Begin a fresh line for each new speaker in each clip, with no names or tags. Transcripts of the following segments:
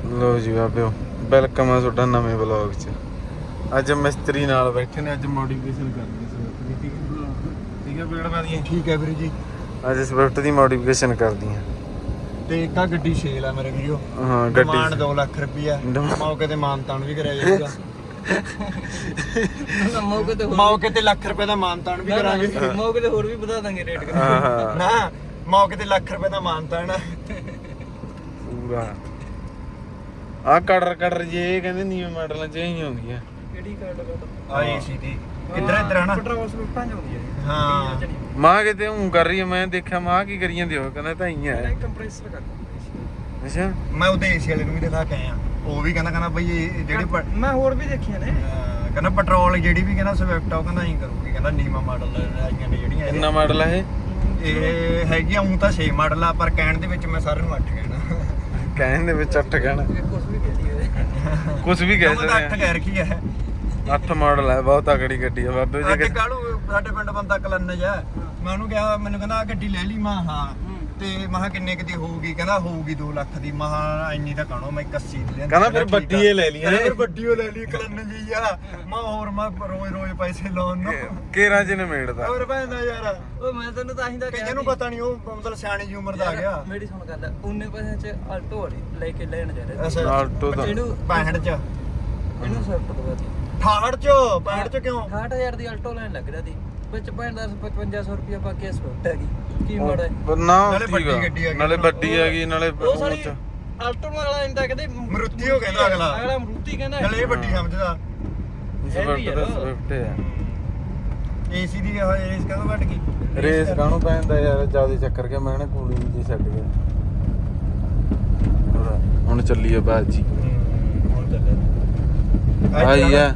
ਲੋ ਜੀ ਬਾਬਿਓ, ਵੈਲਕਮ ਆ ਤੁਹਾਡਾ ਨਵੇਂ ਵਲੌਗ 'ਚ। ਅੱਜ ਮਿਸਤਰੀ ਨਾਲ ਬੈਠੇ ਨੇ, ਅੱਜ ਮੋਡੀਫਿਕੇਸ਼ਨ ਕਰਨੀ ਸਵਿਫਟ ਦੀ। ਠੀਕ ਹੈ ਬੇੜ ਬਾਦੀਆਂ।
ਠੀਕ ਹੈ ਵੀਰੇ ਜੀ।
ਅੱਜ ਸਵਿਫਟ ਦੀ ਮੋਡੀਫਿਕੇਸ਼ਨ ਕਰਦੀ ਆ
ਤੇ ਇੱਕ ਆ ਗੱਡੀ ਸੇਲ ਆ ਮੇਰੇ ਵੀਡੀਓ।
ਹਾਂ
ਡਿਮਾਂਡ
ਗੱਡੀ
2 ਲੱਖ ਰੁਪਈਆ। ਮੌਕੇ ਤੇ ਮਾਨਤਾਨ ਵੀ ਕਰਿਆ ਜਾਊਗਾ। ਮੌਕੇ ਤੇ ਲੱਖ ਰੁਪਏ ਦਾ ਮਾਨਤਾਨ ਵੀ ਕਰਾਂਗੇ।
ਮੌਕੇ ਤੇ ਹੋਰ ਵੀ ਵਧਾ ਦਾਂਗੇ ਰੇਟ
ਹਾਂ
ਨਾ ਮੌਕੇ ਤੇ ਲੱਖ ਰੁਪਏ ਦਾ ਮਾਨਤਾਨ
ਪੂਰਾ। ਆ ਕੜਰ ਜੇ ਕਹਿੰਦੇ ਨੀਵੇਂ ਮਾਡਲਾਂ 'ਚ ਹੀ ਆਉਂਦੀ ਆ।
ਕਿਹੜੀ ਕਾਰਡ
ਆ ਏਸੀ ਦੀ ਇੱਧਰ ਹਨਾ
ਪੈਟਰੋਲ ਸਲੂਟਾਂ ਚ ਆਉਂਦੀ ਹੈ।
ਹਾਂ
ਮਾਂ ਕਿਤੇ ਹੂੰ ਕਰ ਰਹੀ ਆ। ਮੈਂ ਦੇਖਿਆ ਮਾਂ ਕੀ ਕਰੀ ਜਾਂਦੀ ਉਹ ਕਹਿੰਦਾ ਤਾਂ ਹੀ ਆ।
ਕੰਪਰੈਸਰ ਕਰ
ਅੱਛਾ
ਮੈਂ ਉਹਦੇ ਏਸੀ ਵਾਲੇ ਨੂੰ ਵੀ ਦਿਖਾ ਕੇ ਆਇਆ। ਉਹ ਵੀ ਕਹਿੰਦਾ ਬਈ ਇਹ ਜਿਹੜੀ
ਮੈਂ ਹੋਰ ਵੀ ਦੇਖੀਆਂ ਨੇ।
ਕਹਿੰਦਾ ਪੈਟਰੋਲ ਜਿਹੜੀ ਵੀ ਕਹਿੰਦਾ ਸਵਿਫਟ ਆ ਉਹ ਕਹਿੰਦਾ ਐਂ ਕਰੂਗੀ। ਕਹਿੰਦਾ ਨੀਮਾ ਮਾਡਲ ਆਈਆਂ ਨੇ ਜਿਹੜੀਆਂ
ਕਿੰਨਾ ਮਾਡਲ ਆ ਇਹ?
ਇਹ ਹੈਗੀ ਆ ਤਾਂ 6 ਮਾਡਲ ਆ, ਪਰ ਕਹਿਣ ਦੇ ਵਿੱਚ ਮੈਂ ਸਾਰਿਆਂ ਨੂੰ 8 ਕਹਿਣਾ।
ਕਹਿਣ ਦੇ ਵਿੱਚ 8 ਕਹਿਣਾ
ਕੁਝ ਵੀ ਕਹਿ ਲਈਏ।
ਕੁਝ ਵੀ ਕਹਿ
ਉਹ ਤਾਂ 8
ਸਕਦੇ
ਕਹਿ ਰੱਖੀ ਹੈ।
8 ਮਾਡਲ ਹੈ, ਬਹੁਤ ਤਕੜੀ ਗੱਡੀ ਆ ਬਾਬੇ ਜੀ।
ਅੱਗੇ ਕਾਲੂ ਸਾਡੇ ਪਿੰਡ ਬੰਦਾ ਕਲਨਜ ਆ। ਮੈਂ ਉਹਨੂੰ ਕਿਹਾ, ਮੈਨੂੰ ਕਹਿੰਦਾ ਆ ਗੱਡੀ ਲੈ ਲਈ। ਮੈਂ ਹਾਂ ਤੇ ਮੈਂ ਕਿੰਨੇ ਕਿਤੇ ਹੋਊਗੀ? ਕਹਿੰਦਾ ਹੋਊਗੀ 2 ਲੱਖ ਦੀ। ਮੈਂ ਇੰਨੀ ਤਾਂ ਕਾਣੋ ਮੈਂ 81 ਦੀ ਲੈਂਦਾ।
ਕਹਿੰਦਾ ਫਿਰ ਵੱਡੀ ਏ ਲੈ ਲਈ।
ਫਿਰ ਵੱਡੀ ਓ ਲੈ ਲਈ ਕਲਨਜ ਹੀ ਆ। ਮੈਂ ਹੋਰ ਮੈਂ ਰੋਜ਼ ਪੈਸੇ ਲਾਉਣ ਨੂੰ
ਕੇਰਾਂ ਚ ਨਿਮੇੜਦਾ।
ਹੋਰ ਭੈਣਾ ਯਾਰ
ਉਹ ਮੈਂ ਤੈਨੂੰ ਤਾਂ ਹੀ ਤਾਂ
ਕਈਆਂ ਨੂੰ ਪਤਾ ਨਹੀਂ, ਉਹ ਮਤਲਬ ਸਿਆਣੀ ਜੀ ਉਮਰ ਦਾ ਆ ਗਿਆ।
ਮੇਰੀ ਸੁਣ ਗੱਲ, ਉਹਨੇ ਪੈਸੇ ਚ ਆਲਟੋ ਵਾਲੀ ਲੈ ਕੇ ਲੈਣ ਜਾ ਰਿਹਾ ਸੀ।
ਆਲਟੋ ਦਾ
ਇਹਨੂੰ
65 ਚ
ਇਹਨੂੰ ਸਵਿਫਟ ਦਵਾਤੀ
68 ਚ 65 ਚ ਕਿਉਂ
68000 ਦੀ ਆਲਟੋ ਲੈਣ ਲੱਗ ਰਿਹਾ ਸੀ। ਵਿੱਚ 5500 ਰੁਪਇਆ ਪਾ ਕੇ ਸਵਿਫਟ ਹੈਗੀ। ਕੀ ਮਾੜਾ ਹੈ?
ਨਾ
ਨਾਲੇ ਵੱਡੀ ਗੱਡੀ ਹੈਗੀ।
ਨਾਲੇ ਵੱਡੀ ਹੈਗੀ ਨਾਲੇ
ਉਹ ਸਾਰੀ ਆਲਟੋ ਨਾਲ ਵਾਲਾ ਇੰਦਾ ਕਹਿੰਦੇ
ਮਰੂਤੀ ਹੋ ਕਹਿੰਦਾ ਅਗਲਾ
ਮਰੂਤੀ ਕਹਿੰਦਾ।
ਨਾਲੇ ਇਹ ਵੱਡੀ ਸਮਝਦਾ।
ਸਵਿਫਟ ਦਾ ਸਵਿਫਟ ਹੈ।
ਏਸੀ ਦੀ ਰੇਸ ਕਦੋਂ ਘਟ ਗਈ?
ਰੇਸ ਕਾਹਨੂੰ ਪੈਂਦਾ ਯਾਰ, ਜਿਆਦਾ ਚੱਕਰ ਗਿਆ। ਮੈਂ ਨਾ ਕੂਲਿੰਗ ਜੀ ਛੱਡ ਗਿਆ। ਹੁਣ ਚੱਲੀਏ ਬਾਜੀ।
ਹੁਣ ਚੱਲੇ
ਆਈ ਆ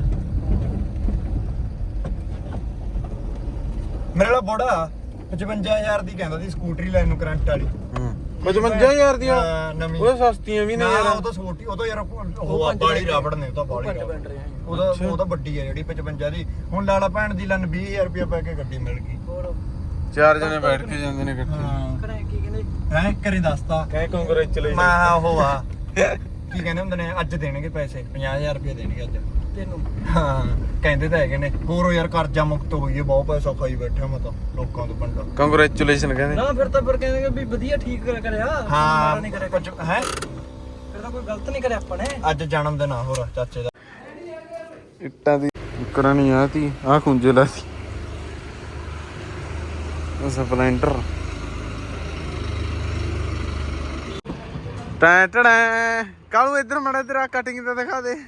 ਮੇਰੇ ਵਾਲਾ ਬੋੜਾ 55000 ਦੀ ਕਹਿੰਦਾ ਸੀ ਸਕੂਟਰੀ ਲੈਣ ਨੂੰ, ਕਰੰਟ ਵਾਲੀ।
55,000 ਦੀਆਂ
ਨਵੀਂ।
ਉਹ ਸਸਤੀਆਂ ਵੀ ਨੇ ਯਾਰ।
ਉਹ ਤਾਂ ਛੋਟੀ, ਉਹ ਤਾਂ ਯਾਰ ਉਹ ਬਾਲੀ ਰਾਵੜ ਨੇ। ਉਹ ਤਾਂ ਬਾਲੀ ਉਹ ਤਾਂ ਵੱਡੀ ਹੈ ਜਿਹੜੀ 55 ਦੀ। ਹੁਣ ਲਾਲਾ ਭੈਣ ਦੀ ਲੰਨ 20000 ਰੁਪਏ ਪੈ ਕੇ ਗੱਡੀ ਮਿਲ ਗਈ।
ਹੋਰ
4 ਜਣੇ ਬੈਠ ਕੇ ਜਾਂਦੇ ਨੇ ਇਕੱਠੇ।
ਕਰੇ ਕੀ ਕਹਿੰਦੇ
ਹੈ ਘਰੇ ਦੱਸਤਾ
ਕਹੇ ਕੰਗ੍ਰੈਚੁਲੇਸ਼ਨ।
ਮੈਂ ਉਹ ਆ ਕੀ ਕਹਿੰਦੇ ਹੁੰਦੇ ਨੇ, ਅੱਜ ਦੇਣਗੇ ਪੈਸੇ 50,000 ਰੁਪਏ ਦੇਣਗੇ ਅੱਜ
ਤੈਨੂੰ।
ਹਾਂ ਕਹਿੰਦੇ ਤਾਂ ਹੈਗੇ ਨੇ। ਹੋਰ ਯਾਰ ਕਰਜ਼ਾ ਮੁਕਤ ਹੋਈਏ, ਬਹੁਤ ਪੈਸਾ ਖਾਈ ਬੈਠਾ ਮੈਂ ਤਾਂ ਲੋਕਾਂ ਤੋਂ ਪਿੰਡੋਂ।
ਕੰਗ੍ਰੈਚੁਲੇਸ਼ਨ ਕਹਿੰਦੇ।
ਨਾ ਫਿਰ ਤਾਂ ਕਹਿੰਦੇ ਵੀ ਵਧੀਆ ਠੀਕ ਕਰਿਆ।
ਹਾਂ
ਨਹੀਂ ਕਰਿਆ
ਕੁਝ ਹੈ।
ਫਿਰ ਤਾਂ ਕੋਈ ਗਲਤ ਨਹੀਂ ਕਰਿਆ ਆਪਾਂ ਨੇ।
ਅੱਜ ਜਨਮ ਦਿਨ ਆ ਹੋਰ ਚਾਚੇ ਦਾ।
ਇੱਟਾਂ ਦੀ ਕਰਨੀ ਆ ਤੀ ਆ ਖੁੰਝੇ ਲਾ ਸੀ ਉਹ ਸਪਲੈਂਡਰ। ਟੈਂ ਟੜੈਂ ਕਾਲੂ ਇੱਧਰ ਮੜਾ ਤੇਰਾ ਕਟਿੰਗ ਤਾਂ ਦਿਖਾ ਦੇ।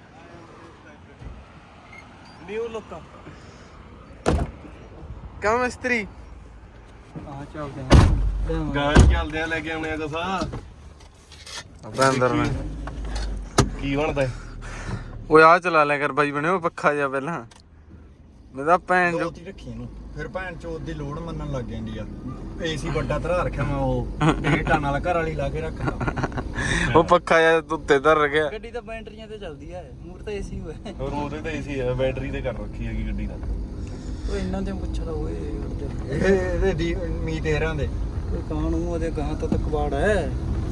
ਨਿਊ ਲੁੱਕ
ਕਿਉਂ ਮਿਸਤਰੀ?
ਆ ਚੱਲਦੇ ਆ
ਗਾਂ ਚੱਲਦੇ ਆ, ਲੈ ਕੇ ਆਉਣੇ ਆ ਦਸਾ।
ਆਪਾਂ ਅੰਦਰ ਨੇ
ਕੀ ਬਣਦਾ?
ਓਏ ਆ ਚਲਾ ਲਿਆ ਕਰ ਬਾਈ ਬਣੇ। ਉਹ ਪੱਖਾ ਜਾ ਪਹਿਲਾਂ ਮੇਰਾ ਭੈਣ ਜੋ
ਦੋਤੀ ਰੱਖੀ ਇਹਨੂੰ, ਫਿਰ ਭੈਣ ਚੋਦ ਦੀ ਲੋੜ ਮੰਨਣ ਲੱਗ ਜਾਂਦੀ ਆ। ਏਸੀ ਵੱਡਾ ਧਰਾ ਰੱਖਿਆ ਮੈਂ, ਉਹ 1.5 ਟਨ ਵਾਲਾ ਘਰ ਵਾਲੀ ਲਾ ਕੇ ਰੱਖਦਾ।
ਉਹ ਪੱਖਾ ਜਾ ਉੱਤੇ ਧਰ ਗਿਆ।
ਗੱਡੀ ਤਾਂ ਬੈਟਰੀਆਂ ਤੇ ਚੱਲਦੀ ਹੈ। ਮੂਰ ਤਾਂ ਏਸੀ ਹੋਇਆ।
ਹੋਰ ਉਹਦੇ ਤਾਂ ਏਸੀ ਆ, ਬੈਟਰੀ ਤੇ ਕਰ ਰੱਖੀ ਹੈਗੀ ਗੱਡੀ ਦਾ।
ਉਹ ਇਹਨਾਂ ਦੇ ਪੁੱਛਦਾ ਓਏ
ਇਹਦੇ ਦੀ ਮੀਤ ਹੈਰਾਂ ਦੇ
ਕੋਈ ਕਾਹਨੂੰ ਉਹਦੇ ਗਾਂ ਤਾਂ ਕਬਾੜ ਹੈ।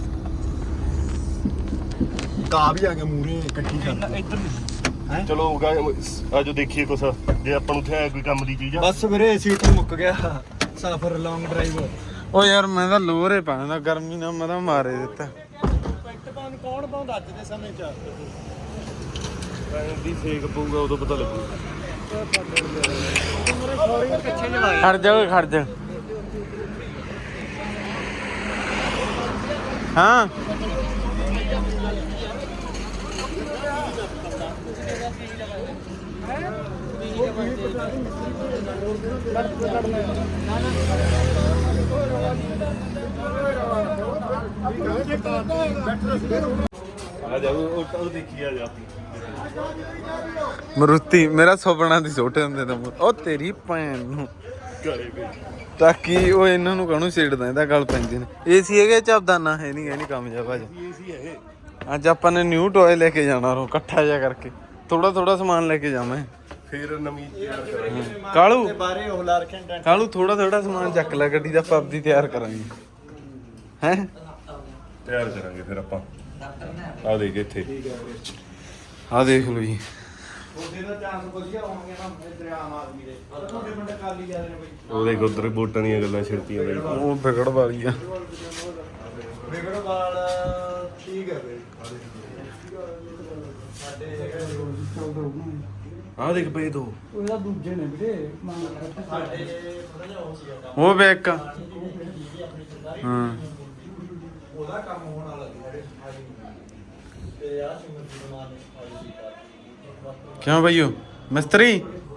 ਕਾ ਵੀ ਆ ਗਿਆ ਮੂਰੇ ਇਕੱਠੀ ਕਰ
ਇੱਧਰ
ਹੈ।
ਚਲੋ ਆਜੋ ਦੇਖੀਏ ਕੁਛ, ਜੇ ਆਪਾਂ ਨੂੰ ਉੱਥੇ ਕੋਈ ਕੰਮ ਦੀ ਚੀਜ਼ ਆ।
ਬਸ ਵੀਰੇ ਸੀਟ ਮੁੱਕ ਗਿਆ। ਸਫ਼ਰ ਲੌਂਗ ਡਰਾਈਵ।
ਓ ਯਾਰ ਮੈਂ ਤਾਂ ਲੋਰੇ ਪਾਉਂਦਾ ਗਰਮੀ ਨਾਲ, ਮੈਂ ਤਾਂ ਮਾਰੇ ਦਿੱਤਾ।
ਪੈਕਟ ਪਾਉਣ ਕੌਣ ਪਾਉਂਦਾ ਅੱਜ ਦੇ ਸਮੇਂ 'ਚ?
ਦੀ ਫੇਕ ਪਊਗਾ ਉਦੋਂ ਪਤਾ ਲੱਗੂ।
ਖੜ ਜਾ ਓਏ ਖੜ ਜਾ। ਹਾਂ
ਆ ਜਾ ਉਹ ਦੇਖੀ ਆ ਜਾ।
ਮਰੂਤੀ ਮੇਰਾ ਸੁਪਨਾ ਦੀ ਛੋਟੇ ਹੁੰਦੇ ਦਾ। ਉਹ ਤੇਰੀ ਭੈਣ ਨੂੰ
ਘਰੇ ਵੀ
ਤਾਂ ਕੀ ਉਹ ਇਹਨਾਂ ਨੂੰ ਕਾਹਨੂੰ ਛੇੜਦਾ, ਇਹਦਾ ਗੱਲ ਪੈਂਦੀ ਨੇ। ਏਸੀ ਹੈਗੇ ਚੱਬਦਾ ਨਾ ਹੈ ਨਹੀਂ ਕਾਮਯਾਬ ਆ।
ਏਸੀ ਹੈ।
ਅੱਜ ਆਪਾਂ ਨੇ ਨਿਊ ਟੋਏ ਲੈ ਕੇ ਜਾਣਾ ਰੋ ਇਕੱਠਾ ਜਿਹਾ ਕਰਕੇ। ਥੋੜਾ ਸਮਾਨ ਲੈ ਕੇ ਜਾਵਾਂ।
ਫਿਰ ਨਵੀਂ ਤਿਆਰ ਕਰਾਂਗੇ।
ਕਾਲੂ
ਬਾਰੇ ਉਹ ਲਾ ਰੱਖਿਆ ਟੈਂਟ।
ਕਾਲੂ ਥੋੜਾ ਸਮਾਨ ਚੱਕ ਲੈ ਗੱਡੀ ਦਾ, ਪੱਬ ਦੀ ਤਿਆਰ ਕਰਾਂਗੇ। ਹੈ
ਤਿਆਰ ਕਰਾਂਗੇ ਫਿਰ ਆਪਾਂ। ਆ ਦੇਖ ਇੱਥੇ
ਆ ਦੇਖ ਲਓ ਜੀ
ਉਹਦੇ ਦਾ ਚਾਂਸ ਵਧੀਆ ਹੋਣਗੇ ਨਾ ਇਧਰ ਆਮ ਆਦਮੀ ਦੇ ਤੁਹਾਡੇ ਪਿੰਡ ਕਾਲੀ ਜਾਂਦੇ ਨੇ ਬਈ
ਉਹਦੇ ਗੁੱਦਰ ਵੋਟਾਂ ਦੀਆਂ ਗੱਲਾਂ ਛਿੜਤੀਆਂ ਬਈ
ਉਹ ਵਿਗੜ ਵਾਲੀ ਆ
ਵਿਗੜਵਾਲ ਠੀਕ ਹੈ ਬਈ ਸਾਡੇ
ਆ ਦੇਖ ਪਏ ਦੋ
ਉਹਦਾ ਦੂਜੇ ਨੇ ਵੀਰੇ
ਸਾਡੇ ਥੋੜਾ ਜਿਹਾ ਹੋ ਸੀ
ਉਹ ਬੈਕ ਹਾਂ
ਉਹਦਾ ਕੰਮ ਹੋਣ ਵਾਲਾ ਸੀ ਸਾਡੇ ਸਫਾਈ ਤੇ ਆ ਸਿਮਰਤੀ ਕੁਮਾਰ ਨੇ ਸਫਾਈ ਕੀਤਾ
ਕਿਉਂ ਬਈਓ ਮਿਸਤਰੀ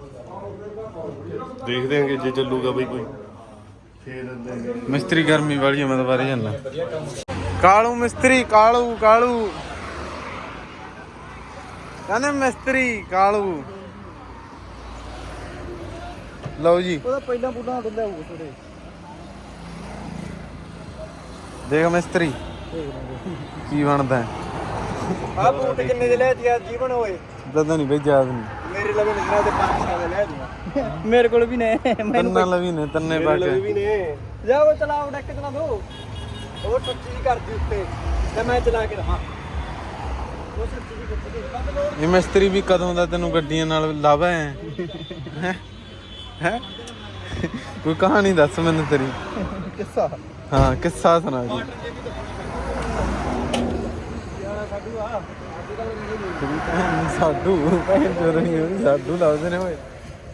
ਦੇਖਦੇ ਆਂਗੇ ਜੇ ਚੱਲੂਗਾ ਬਈ ਕੋਈ ਫੇਰ ਦਿੰਦੇ
ਮਿਸਤਰੀ ਗਰਮੀ ਵਾਲੀ ਆ, ਮੈਂ ਤਾਂ ਬਾਰੇ ਜਾਣਾ ਕਾਲੂ ਮਿਸਤਰੀ ਕਾਲੂ ਕਾਲੂ ਕਹਿੰਦੇ ਮਿਸਤਰੀ ਕਾਲੂ ਲਓ ਜੀ
ਉਹਦਾ ਪਹਿਲਾਂ ਬੁੱਢਾ ਦਿੰਦਾ ਹੋਊ ਥੋੜੇ
ਦੇਖ ਮਿਸਤਰੀ ਕੀ ਬਣਦਾ ਹੈ।
ਆ ਬੂਟ ਕਿੰਨੇ ਦੇ ਲੈ ਦਿਆ ਜੀਵਨ ਹੋਏ
ਦਦਾ ਨਹੀਂ ਬਈ ਯਾਦ ਨਹੀਂ
ਮੇਰੇ ਲਵੇ ਨਿਕਲਾ ਤੇ 500 ਦੇ ਲੈ ਦਿਆ
ਮੇਰੇ ਕੋਲ ਵੀ ਨੇ
ਤੰਨਾ ਲਵੀ ਨੇ ਤੰਨੇ ਪਾ ਕੇ
ਵੀ ਨੇ ਜਾਓ ਚਲਾਓ ਡੈਕ ਚਲਾ ਦੋ ਉਹ ਟੱਚੀ ਜੀ ਕਰਦੀ ਉੱਤੇ ਤੇ ਮੈਂ ਚਲਾ ਕੇ ਰਹਾ ਉਹ ਸੱਚੀ ਜੀ ਕਰਦੀ
ਇਹ ਮਿਸਤਰੀ ਵੀ ਕਦੋਂ ਦਾ ਤੈਨੂੰ ਗੱਡੀਆਂ ਨਾਲ ਲਾਵਾ ਹੈ ਹੈ ਕੋਈ ਕਹਾਣੀ ਦੱਸ ਮੈਨੂੰ ਤੇਰੀ
ਕਿੱਸਾ
ਹਾਂ ਕਿੱਸਾ ਸੁਣਾ ਜੀ ਸਾਡੂ ਭੈਣ ਚੋਦ ਨਹੀਂ ਸਾਡੂ ਲਾਉਂਦੇ ਨੇ ਓਏ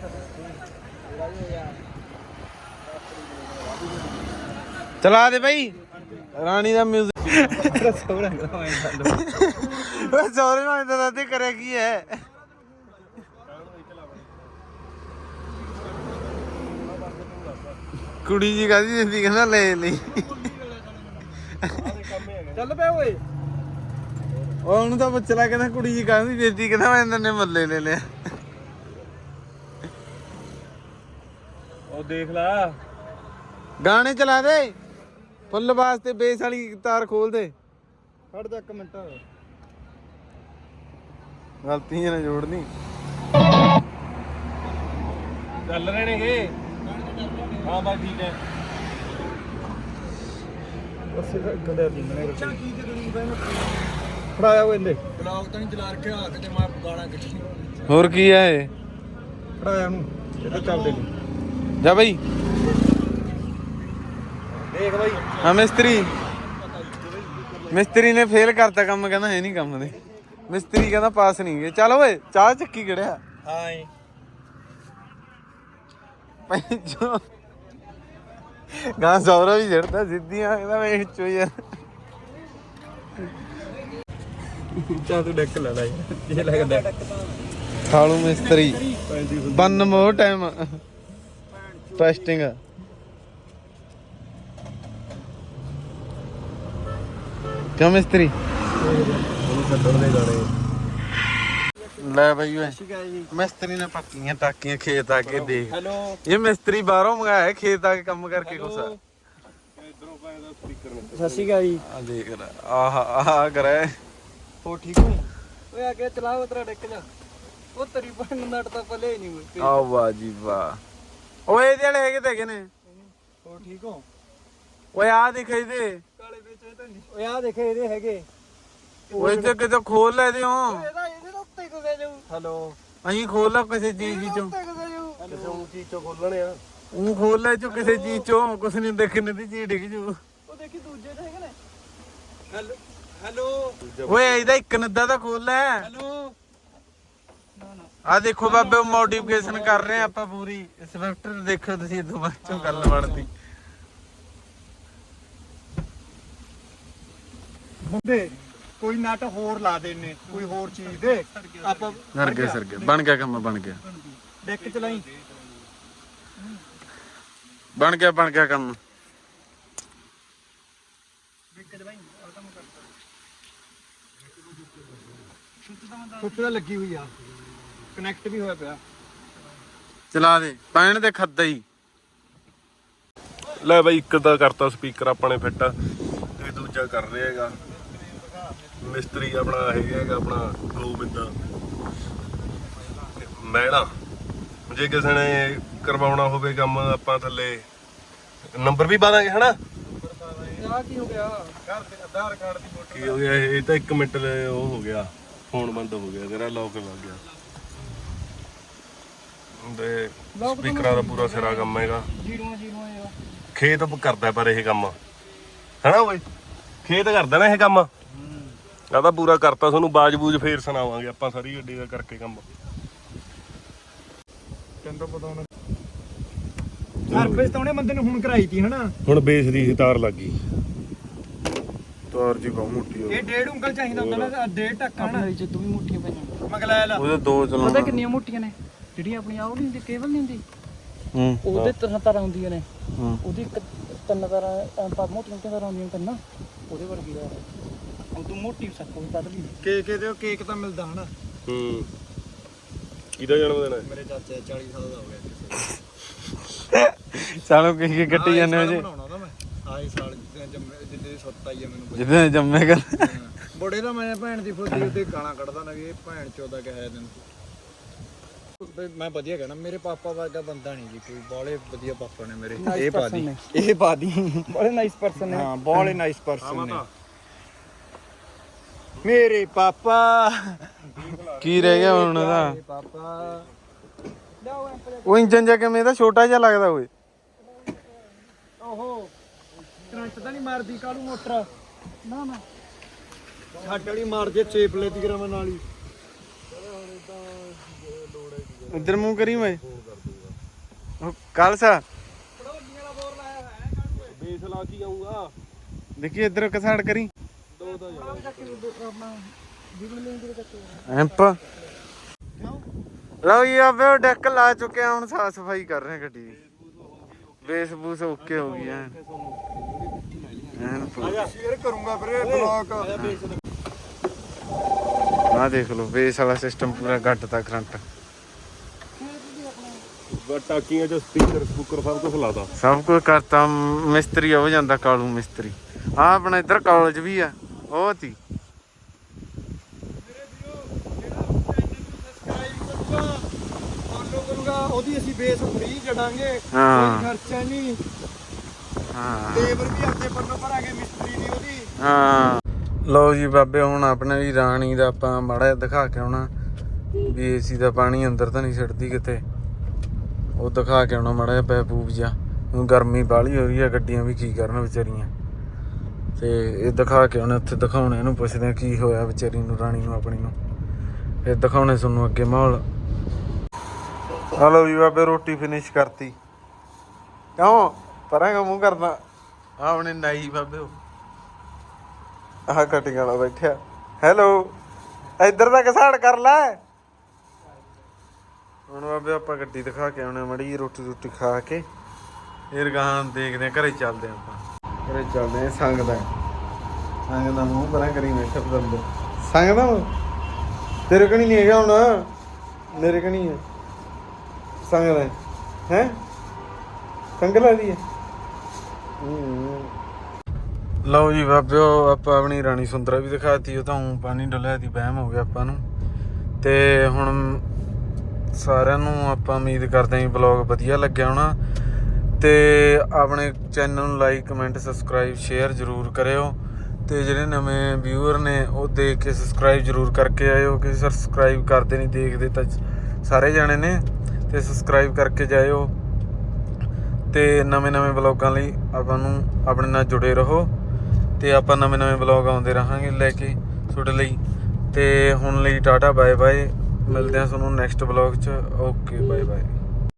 ਚਲਾ ਦੇ ਬਈ ਰਾਣੀ ਦਾ ਮਿਊਜ਼ਿਕ
ਸੋਹਣਾ ਕਰਾਇਆ
ਓਏ ਸੌਰੇ ਨਾਲ ਇਦਾਂ ਤੇ ਕਰਿਆ ਕੀ ਹੈ ਕੁੜੀ ਜੀ ਕਹਿੰਦੀ ਜਿੰਦੀ ਕਹਿੰਦਾ ਲੈ ਲਈ
ਚੱਲ ਪਿਆ ਓਏ
ਉਹ ਉਹਨੂੰ ਤਾਂ ਬੱਚਲਾ ਕਹਿੰਦਾ ਕੁੜੀ ਜੀ ਕਹਿੰਦੀ ਜਿੰਦੀ ਕਹਿੰਦਾ ਮੈਂ ਇਹਨਾਂ ਨੇ ਮੱਲੇ ਲੈ ਲਿਆ
ਉਹ ਦੇਖ ਲਾ
ਗਾਣੇ ਚਲਾ ਦੇ ਫੁੱਲ ਵਾਸਤੇ ਬੇਸ ਵਾਲੀ ਤਾਰ ਖੋਲ ਦੇ
ਖੜ ਜਾ ਇੱਕ ਮਿੰਟ
ਗਲਤੀ ਨਾ ਜੋੜਨੀ
ਚੱਲ ਰਹੇ ਨੇਗੇ ਹਾਂ ਬਾ ਠੀਕ ਹੈ ਉਸੇ ਦਾ ਗੰਦੇ ਦਿੰਨੇ ਅੱਛਾ ਕੀ ਤੇ ਕਰੀ ਬੈ ਫੜਾਇਆ ਉਹ ਇਹਦੇ ਬਲੌਗ ਤਾਂ ਨਹੀਂ ਚਲਾ ਰੱਖਿਆ ਕਿਤੇ ਮੈਂ ਗਾਣਾ ਕੱਢੀ
ਹੋਰ ਕੀ ਹੈ ਇਹ
ਫੜਾਇਆ ਉਹਨੂੰ ਇਹ ਤਾਂ ਚੱਲਦੇ ਨਹੀਂ
ਜਾ ਬਈ
ਦੇਖ ਬਾਈ
ਹਾਂ ਮਿਸਤਰੀ ਨੇ ਫੇਲ ਕਰਤਾ ਕੰਮ ਕਹਿੰਦਾ ਹੈ ਨਹੀਂ ਕੰਮ ਦੇ ਮਿਸਤਰੀ ਕਹਿੰਦਾ ਪਾਸ ਨਹੀਂ ਗਏ ਚੱਲ ਓਏ ਚਾਹ ਚੱਕੀ ਕਿਹੜਿਆ
ਹਾਂ
ਪੈਂਚੋ ਗਾਂ ਸੌਰਾ ਵੀ ਜੜਦਾ ਸਿੱਧੀਆਂ ਇਹਦਾ ਵੇਖ ਚੋ ਯਾਰ
ਚਾ ਤੂੰ ਡੈਕ ਲੈ ਲੈ ਇਹ ਲੱਗਦਾ
ਖਾਲੂ ਮਿਸਤਰੀ 1 ਮੋਰ ਟਾਈਮ ਟੈਸਟਿੰਗ ਕਿਉਂ ਮਿਸਤਰੀ
ਉਹਨੂੰ ਛੱਡਣ ਦੇ ਗਾਣੇ
ਲੈ ਬਈ ਓਏ
ਠੀਕ ਹੈ ਜੀ
ਮਿਸਤਰੀ ਨੇ ਪੱਕੀਆਂ ਟਾਕੀਆਂ ਖੇਤ ਆ ਕੇ ਦੇਖ
ਹੈਲੋ
ਇਹ ਮਿਸਤਰੀ ਬਾਹਰੋਂ ਮੰਗਾਇਆ ਹੈ, ਖੇਤ ਆ ਕੇ ਕੰਮ ਕਰਕੇ ਕੁਛ
ਇਧਰੋਂ ਪੈਦਾ ਸਪੀਕਰ ਨੇ
ਸਤਿ ਸ਼੍ਰੀ ਅਕਾਲ ਜੀ
ਆ ਦੇਖ ਆਹ ਕਰੇ
ਹੋ ਠੀਕ ਹੋ ਓਏ ਅੱਗੇ ਚਲਾਓ ਤੇਰਾ ਡੈਕ ਜਾ ਉਹ ਤੇਰੀ ਭੈਣ ਨੂੰ ਨੱਟ ਤਾਂ ਪਲੇ ਨਹੀਂ ਮੁੱਕੇ
ਆ ਵਾਹ ਜੀ ਵਾਹ ਓਏ ਇਹਦੇ ਵਾਲੇ ਹੈਗੇ ਤੇ ਹੈਗੇ ਨੇ
ਹੋ ਠੀਕ ਹੋ
ਓਏ ਆ ਦਿਖਾਈ ਦੇ
ਕਾਲੇ ਵਿੱਚ ਇਹ ਤਾਂ ਨਹੀਂ ਓਏ ਆ ਦੇਖੇ ਇਹਦੇ ਹੈਗੇ
ਓਏ ਤੇ ਕਿਤੇ ਖੋਲ ਲੈ ਦਿਓ
ਇਹਦੇ ਤਾਂ ਉੱਤੇ ਕੁਦੇ ਜਾਊ ਹੈਲੋ
ਅਹੀਂ ਖੋਲ ਲੈ ਕਿਸੇ ਚੀਜ਼ ਚੋਂ
ਉੱਤੇ ਕੁਦੇ ਜਾਊ
ਕਿਸੇ ਉੱਚੀ ਚੋਂ ਖੋਲਣੇ ਆ
ਉਹ ਖੋਲ ਲੈ ਚੋ ਕਿਸੇ ਚੀਜ਼ ਚੋਂ ਕੁਛ ਨਹੀਂ ਦੇਖਣ ਦੀ ਚੀਜ਼ ਡਿੱਗ ਜੂ
ਉਹ ਦੇਖੀ ਦੂਜੇ ਤੇ ਹੈਗੇ ਨੇ ਹੈਲੋ ਹੈਲੋ
ਓਏ ਇਹਦਾ ਇੱਕ ਨੱਦਾ ਤਾਂ ਖੋਲ ਲੈ
ਹੈਲੋ
ਆ ਦੇਖੋ ਬਾਬੇ ਮੋਡੀਫਿਕੇਸ਼ਨ ਕਰ ਰਹੇ ਆ ਆਪਾਂ ਪੂਰੀ ਸਵਿਫਟ ਦੇਖੋ ਤੁਸੀਂ ਇਦੋਂ ਬਾਅਦ ਚੋਂ ਗੱਲ ਬਣਦੀ
ਮੁੰਡੇ ਕੋਈ ਨਟ ਹੋਰ ਲਾ ਦੇਣੇ ਕੋਈ ਹੋਰ ਚੀਜ਼ ਦੇ ਆਪਾਂ
ਸਰ ਗਿਆ ਬਣ ਗਿਆ ਕੰਮ ਬਣ ਗਿਆ
ਡੈਕ ਚਲਾਈ
ਬਣ ਗਿਆ ਕੰਮ
ਸੁੱਚ ਤਾਂ ਲੱਗੀ ਹੋਈ ਆ ਕਨੈਕਟ ਵੀ ਹੋਇਆ ਪਿਆ
ਚਲਾ ਦੇ ਪੈਣ ਦੇ ਖੱਦਾ ਹੀ
ਲੈ ਬਾਈ ਇੱਕ ਤਾਂ ਕਰਤਾ ਸਪੀਕਰ ਆਪਾਂ ਨੇ ਫਿੱਟ ਤੇ ਦੂਜਾ ਕਰ ਰਿਹਾ ਹੈਗਾ ਮਿਸਤਰੀ ਆਪਣਾ ਹੈਗਾ ਆਪਣਾ ਗੋਬਿੰਦ ਮੈਣਾ ਜੇ ਕਿਸੇ ਨੇ ਕਰਵਾਉਣਾ ਹੋਵੇ ਕੰਮ ਆਪਾਂ ਥੱਲੇ ਨੰਬਰ ਵੀ ਪਾ ਦਾਂਗੇ ਹਨਾ
ਆ ਕੀ ਹੋ ਗਿਆ ਘਰ ਦੇ ਆਧਾਰ ਕਾਰਡ ਦੀ ਫੋਟੋ
ਕੀ ਹੋ ਗਿਆ ਇਹ ਤਾਂ 1 ਮਿੰਟ ਦੇ ਉਹ ਹੋ ਗਿਆ ਫੋਨ ਬੰਦ ਹੋ ਗਿਆ ਤੇਰਾ ਲੌਕ ਲੱਗ ਗਿਆ ਤੇ ਸਪੀਕਰਾਂ ਦਾ ਪੂਰਾ ਸਿਰਾ ਕੰਮ ਹੈਗਾ
ਜੀਰੋ ਯਾਰ
ਖੇਤ ਕਰਦਾ ਪਰ ਇਹ ਕੰਮ ਹੈਨਾ ਓਏ ਖੇਤ ਕਰਦਾ ਨਾ ਇਹ ਕੰਮ ਆ ਤਾਂ ਪੂਰਾ ਕਰਤਾ ਤੁਹਾਨੂੰ ਬਾਜ-ਬੂਜ ਫੇਰ ਸੁਣਾਵਾਂਗੇ ਆਪਾਂ ਸਾਰੀ ਗੱਡੀ ਦਾ ਕਰਕੇ ਕੰਮ
ਤੈਨੂੰ ਪਤਾ ਹੋਣਾ ਸਰਵਿਸ ਤਾਂ ਉਹਨੇ ਬੰਦੇ ਨੂੰ ਹੁਣ ਕਰਾਈ ਤੀ ਹਨਾ
ਹੁਣ ਬੇਸ ਦੀ ਤਾਰ ਲੱਗ ਗਈ
ਤਾਰ ਜੀ ਬਹੁਤ ਮੋਟੀ ਹੋ
ਇਹ 1.5 ਉਂਗਲ ਚਾਹੀਦਾ ਹੁੰਦਾ ਨਾ 1.5 ਟੱਕਾ ਹਨਾ
ਆਪਣੇ ਚ ਤੂੰ ਵੀ ਮੋਟੀਆਂ ਪਈਆਂ
ਮਗਲਾ ਲਾ
ਉਹਦੇ ਦੋ
ਪਤਾ
ਚਲਾਉਣਾ
ਕਿੰਨੀਆਂ ਮੋਟੀਆਂ ਨੇ ਜਿਹੜੀਆਂ ਆਪਣੀਆਂ ਉਹ ਨਹੀਂ ਹੁੰਦੀ ਕੇਬਲ ਨਹੀਂ ਹੁੰਦੀ
ਹੂੰ
ਉਹਦੇ ਤਰ੍ਹਾਂ ਹੁੰਦੀਆਂ ਨੇ
ਹੂੰ
ਉਹਦੀ ਤਿੰਨ ਤਰ੍ਹਾਂ ਮੋਟੀਆਂ ਤਰ੍ਹਾਂ ਹੁੰਦੀਆਂ ਤਿੰਨ ਉਹਦੇ ਵਰਗੀ ਦਾ ਹੁਣ ਤੂੰ ਮੋਟੀ ਸਕੋ ਪਤਲੀ
ਕੇਕ ਦੇ ਕੇਕ ਤਾਂ ਮਿਲਦਾ ਹਨਾ
ਹੂੰ ਕਿਹਦਾ ਜਨਮ ਦਿਨ ਹੈ
ਮੇਰੇ ਚਾਚੇ 40 ਸਾਲ ਦਾ ਹੋ ਗਿਆ
ਸਾਲੋਂ ਕੀ ਕੱਟੀ ਜਾਂਦੇ ਹੋ ਜੀ
ਬਣਾਉਣਾ ਤਾਂ ਮੈਂ ਆਏ ਸਾਲ ਜਿੱਦੇ ਸੁੱਤ ਆਈ ਆ ਮੈਨੂੰ
ਜਿੱਦਾਂ ਜੰਮੇ ਕਰ
ਬੜੇ ਦਾ ਮੈਂ ਭੈਣ ਦੀ ਫੋਟੋ ਉੱਤੇ ਗਾਣਾ ਕੱਢਦਾ ਨਾ ਵੀ ਇਹ ਭੈਣ ਚੋਦਾ ਕਹਿਆ ਦਿਨ ਮੈਂ ਵਧੀਆ ਕਹਿਣਾ ਮੇਰੇ ਪਾਪਾ ਵਰਗਾ ਬੰਦਾ ਨਹੀਂ ਜੀ ਕੋਈ ਬਾਲੇ ਵਧੀਆ ਪਾਪਾ ਨੇ ਮੇਰੇ ਇਹ ਬਾਦੀ ਇਹ ਬਾਦੀ
ਬੜੇ ਨਾਈਸ ਪਰਸਨ ਨੇ
ਹਾਂ ਬਾਲੇ ਨਾਈਸ ਪਰਸਨ ਨੇ ਮੇਰੇ ਪਾਪਾ
ਕੀ ਰਹਿ ਗਿਆ ਹੁਣ ਉਹਦਾ
ਪਾਪਾ
ਉਹ ਇੰਜਨ ਜਾ ਕਿਵੇਂ ਦਾ ਛੋਟਾ ਜਿਹਾ ਲੱਗਦਾ ਓਏ
ਓਹੋ ਕਰੰਟ ਤਾਂ ਨਹੀਂ ਮਾਰਦੀ ਕਾਲੂ ਮੋਟਰ
ਨਾ ਨਾ
ਛੱਟ ਵਾਲੀ ਮਾਰ ਜੇ ਚੇਪ ਲੈ ਦੀ ਗ੍ਰਾਮ ਨਾਲ ਹੀ
ਉਧਰ ਮੂੰਹ ਕਰੀ ਮੈਂ ਕਾਲਸਾ
ਬੇਸ ਲਾ ਕੇ ਆਉਂਗਾ
ਦੇਖੀ ਇੱਧਰ ਕਸਾੜ ਕਰੀ
ਦੋ ਤਾਂ
ਐਂਪ ਲਓ ਜੀ ਆਵੇ ਉਹ ਡੈਕ ਲਾ ਚੁੱਕੇ ਆ ਹੁਣ ਸਾਫ ਸਫਾਈ ਕਰ ਰਹੇ ਗੱਡੀ ਦੀ ਬੇਸ ਬੂਸ ਓਕੇ ਹੋ ਗਈ ਐਨ
ਸ਼ੇਅਰ ਕਰੂੰਗਾ ਵੀਰੇ ਬਲੌਗ
ਆਹ ਦੇਖ ਲਓ ਬੇਸ ਵਾਲਾ ਸਿਸਟਮ ਪੂਰਾ ਗੱਟ ਤਾ ਕਰੰਟ
ਟਾਕੀਆਂ ਚ ਸਪੀਕਰ ਸਪੂਕਰ ਸਭ ਕੁਝ ਲਾਤਾ
ਸਭ ਕੁਝ ਕਰਤਾ ਮਿਸਤਰੀ ਹੋ ਜਾਂਦਾ ਕਾਲੂ ਮਿਸਤਰੀ ਆ ਆਪਣਾ ਇੱਧਰ ਕਾਲਜ ਵੀ ਆ ਉਹ ਤੀ
ਫੋਲੋ ਕਰੂੰਗਾ ਉਹਦੀ ਅਸੀਂ ਬੇਸ ਫ੍ਰੀ ਜੜਾਂਗੇ
ਹਾਂ।
ਕੋਈ ਖਰਚਾ ਨਹੀਂ
ਹਾਂ
ਲੇਬਰ ਵੀ ਆਪਦੇ ਪੱਲੋਂ ਭਰਾਂਗੇ ਮਿਸਤਰੀ ਦੀ ਉਹਦੀ
ਹਾਂ ਲਓ ਜੀ ਬਾਬੇ ਹੁਣ ਆਪਣੇ ਵੀ ਰਾਣੀ ਦਾ ਆਪਾਂ ਮਾੜਾ ਜਿਹਾ ਦਿਖਾ ਕੇ ਆਉਣਾ ਵੀ ਏਸੀ ਦਾ ਪਾਣੀ ਅੰਦਰ ਤਾਂ ਨਹੀਂ ਛੱਡਦੀ ਕਿਤੇ ਉਹ ਦਿਖਾ ਕੇ ਆਉਣਾ ਮਾੜਾ ਜਿਹਾ ਪੈਪੂਪ ਜਿਹਾ ਹੁਣ ਗਰਮੀ ਬਾਹਲੀ ਹੋ ਰਹੀ ਆ ਗੱਡੀਆਂ ਵੀ ਕੀ ਕਰਨ ਵਿਚਾਰੀਆਂ ਤੇ ਇਹ ਦਿਖਾ ਕੇ ਆਉਣੇ ਉੱਥੇ ਦਿਖਾਉਣੇ ਇਹਨੂੰ ਪੁੱਛਦੇ ਆ ਕੀ ਹੋਇਆ ਵਿਚਾਰੀ ਨੂੰ ਰਾਣੀ ਨੂੰ ਆਪਣੀ ਨੂੰ ਫਿਰ ਦਿਖਾਉਣੇ ਤੁਹਾਨੂੰ ਅੱਗੇ ਮਾਹੌਲ ਹਲੋ ਜੀ ਬਾਬੇ ਰੋਟੀ ਫਿਨਿਸ਼ ਕਰਤੀ ਕਿਉਂ ਪਰਾਂਗਾ ਮੂੰਹ ਕਰਦਾ ਆਪਣੇ ਨਾਈ ਬਾਬੇ ਉਹ ਆਹ ਕਟਿੰਗ ਵਾਲਾ ਬੈਠਿਆ ਹੈਲੋ ਇੱਧਰ ਦਾ ਘਸਾੜ ਕਰ ਲੈ ਹੁਣ ਬਾਬੇ ਆਪਾਂ ਗੱਡੀ ਦਿਖਾ ਕੇ ਆਉਣੇ ਮੜੀ ਰੋਟੀ ਰੋਟੀ ਖਾ ਕੇ ਫਿਰ ਗਾਂ ਦੇਖਦੇ ਆ ਘਰੇ ਚੱਲਦੇ ਆ ਆਪਾਂ ਘਰੇ ਚੱਲਦੇ ਆ ਸੰਗ ਦਾ ਮੂੰਹ ਪਰਾਂ ਕਰੀ ਬੈਠਾ ਬੰਦੇ ਸੰਗ ਦਾ ਤੇਰੇ ਕਣੀ ਨਹੀਂ ਹੈਗਾ ਹੁਣ ਮੇਰੇ ਕਣੀ ਹੈ ਸੰਗ ਦਾ ਹੈ ਸੰਗ ਲਾ ਦੀ ਹੈ ਲਓ ਜੀ ਬਾਬਿਓ ਆਪਾਂ ਆਪਣੀ ਰਾਣੀ ਸੁੰਦਰਾ ਵੀ ਦਿਖਾਤੀ ਉਹ ਤਾਂ ਪਾਣੀ ਡੁੱਲਿਆ ਦੀ ਵਹਿਮ ਹੋ ਗਿਆ ਆਪਾਂ ਨੂੰ ਤੇ ਹੁਣ ਸਾਰਿਆਂ ਨੂੰ ਆਪਾਂ ਉਮੀਦ ਕਰਦੇ ਹਾਂ ਬਲੌਗ ਵਧੀਆ ਲੱਗਿਆ ਹੋਣਾ ਤੇ ਆਪਣੇ ਚੈਨਲ ਨੂੰ ਲਾਈਕ ਕਮੈਂਟ ਸਬਸਕ੍ਰਾਈਬ ਸ਼ੇਅਰ ਜ਼ਰੂਰ ਕਰਿਓ ਤੇ ਜਿਹੜੇ ਨਵੇਂ ਵਿਊਅਰ ਨੇ ਉਹ ਦੇਖ ਕੇ ਸਬਸਕ੍ਰਾਈਬ ਜ਼ਰੂਰ ਕਰਕੇ ਆਇਓ ਕਿ ਸਬਸਕ੍ਰਾਈਬ ਕਰਦੇ ਨਹੀਂ ਦੇਖਦੇ ਤਾਂ ਸਾਰੇ ਜਾਣੇ ਨੇ ਤੇ ਸਬਸਕ੍ਰਾਈਬ ਕਰਕੇ ਜਾਇਓ ਤੇ ਨਵੇਂ ਵਲੌਗਾਂ ਲਈ ਆਪਾਂ ਨੂੰ ਆਪਣੇ ਨਾਲ ਜੁੜੇ ਰਹੋ ਤੇ ਆਪਾਂ ਨਵੇਂ ਵਲੌਗ ਆਉਂਦੇ ਰਹਾਂਗੇ ਲੈ ਕੇ ਤੁਹਾਡੇ ਲਈ ਤੇ ਹੁਣ ਲਈ ਟਾਟਾ ਬਾਏ ਬਾਏ ਮਿਲਦੇ ਹਾਂ ਤੁਹਾਨੂੰ ਨੈਕਸਟ ਵਲੌਗ 'ਚ ਓਕੇ ਬਾਏ ਬਾਏ